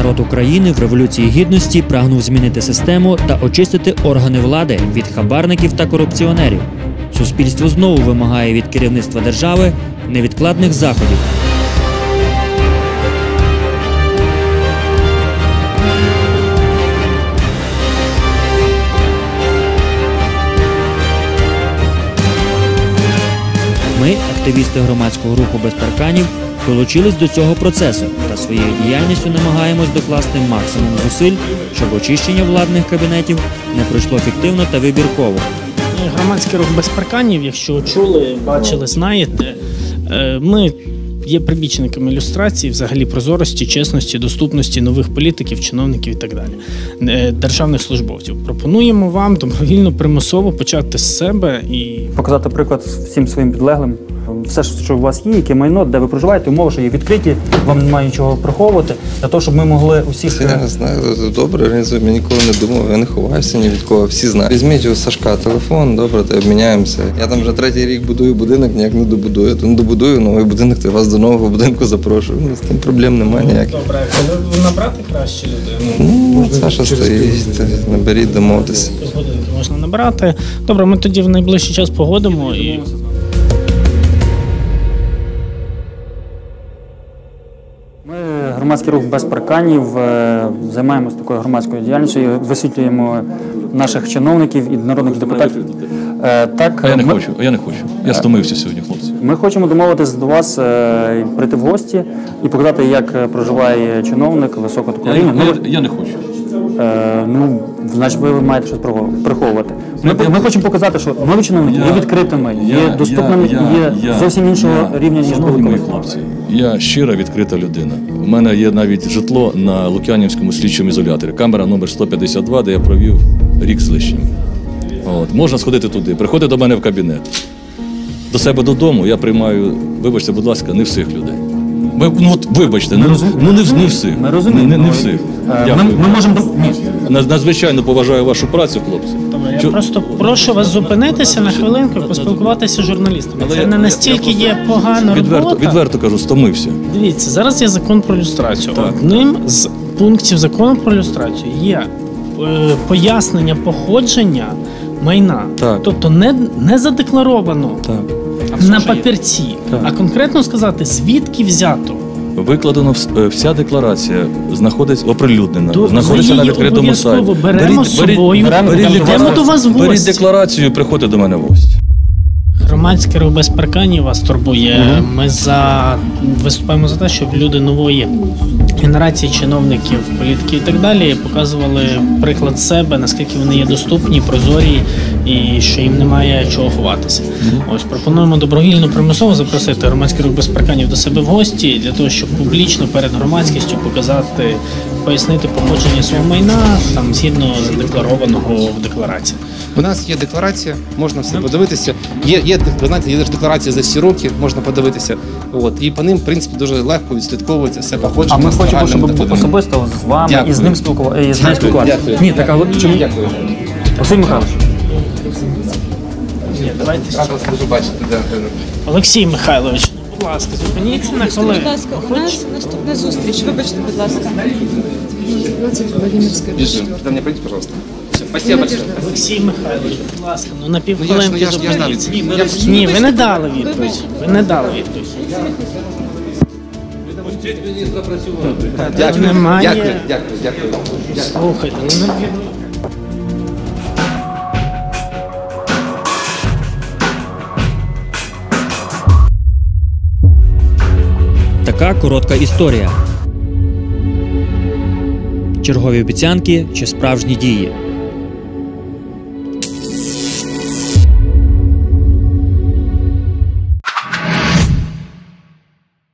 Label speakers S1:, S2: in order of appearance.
S1: народ України в Революції Гідності прагнув змінити систему та очистити органи влади від хабарників та корупціонерів. Суспільство знову вимагає від керівництва держави невідкладних заходів. Ми, активісти громадського руху «Без парканів», долучились до цього процесу та своєю діяльністю намагаємось докласти максимум зусиль, щоб очищення владних кабінетів не пройшло фіктивно та вибірково.
S2: Громадський рух «Без парканів», якщо чули, бачили, знаєте, ми є прибічниками люстрації, взагалі прозорості, чесності, доступності нових політиків, чиновників і так далі, державних службовців. Пропонуємо вам добровільно, примусово почати з себе і
S3: показати приклад всім своїм підлеглим. Все, що у вас є, яке майно, де ви проживаєте, умови, що є відкриті, вам немає нічого приховувати, для того, щоб ми могли усіх...
S4: Я не знаю, добре організуємо, я ніколи не думав, я не ховаюся ні від кого, всі знають. Візьміть у Сашка телефон, добре, то обміняємося. Я там вже 3-й рік будую будинок, ніяк не добудую. То не добудую новий будинок, то я вас до нового будинку запрошую. З тим проблем немає ніяких.
S2: Добре, коли набрати краще людей?
S4: Ну, Саша стоїть, наберіть, домовитися.
S2: Годинки можна набрати. Добре, ми тоді в найближчий час погодимо і...
S3: Ми, громадський рух «Без парканів», займаємося такою громадською діяльністю, висвітлюємо наших чиновників і народних депутатів.
S5: Так, я не хочу. Я стомився сьогодні, хлопці.
S3: Ми хочемо домовитись до вас, прийти в гості і показати, як проживає чиновник високого такого рівня.
S5: Я не хочу.
S3: Значить, ви маєте щось приховувати. Ми хочемо показати, що нові чиновники є відкритими, є доступними, є зовсім іншого рівня, ніж
S5: шановні мої хлопці, я щира, відкрита людина. У мене є навіть житло на Лук'янівському слідчому ізоляторі. Камера номер 152, де я провів рік з лишнім. Можна сходити туди, приходити до мене в кабінет. До себе додому я приймаю, вибачте, будь ласка, не всіх людей. Вибачте, не всіх.
S3: Ми розуміємо.
S5: Не всіх.
S3: Ми можемо...
S5: Надзвичайно поважаю вашу працю, хлопці.
S2: Добре, я просто прошу вас зупинитися на хвилинку і поспілкуватися з журналістами. Це не настільки є погана робота.
S5: Відверто кажу, стомився.
S2: Дивіться, зараз є закон про люстрацію. Одним з пунктів закону про люстрацію є пояснення походження майна.
S5: Так.
S2: Тобто не задекларовано на папірці, а конкретно сказати, звідки взято.
S5: Викладено вся декларація, знаходиться оприлюднена, знаходиться на відкритому сайті.
S2: Беремо з собою, йдемо до вас в гості.
S5: Беріть декларацію і приходьте до мене в гості.
S2: Громадський рух «Без парканів» вас турбує. Ми виступаємо за те, щоб люди нової генерації чиновників, політиків і так далі показували приклад себе, наскільки вони є доступні, прозорі і що їм немає чого ховатися. Ось пропонуємо добровільно, примусово запросити громадський рух «Без парканів» до себе в гості для того, щоб публічно перед громадськістю показати, пояснити походження свого майна там згідно задекларованого в декларації.
S6: У нас є декларація, можна все подивитися. Ви знаєте, є декларація за всі роки, можна подивитися. І по ним, в принципі, дуже легко відслідковується все походження.
S3: А ми хочемо, щоб особисто з вами і з ним спілкуватися. Ні, так, а чому? Олексій Михайлович.
S2: Олексій Михайлович, будь ласка, зупиніться на хвилину.
S7: Будь ласка, у нас наступна зустріч. Вибачте, будь ласка. 20 Владимирська.
S6: Ко мне пройдите, пожалуйста. Спасибо большое.
S2: Олексій Михайлович, будь ласка, на півхвилинки зупиніться.
S6: відповідь.
S2: Ні, ви не дали відповідь. Ви не дали відповідь.
S6: Дякую.
S2: Слухайте,
S1: Така коротка історія. Чергові обіцянки чи справжні дії.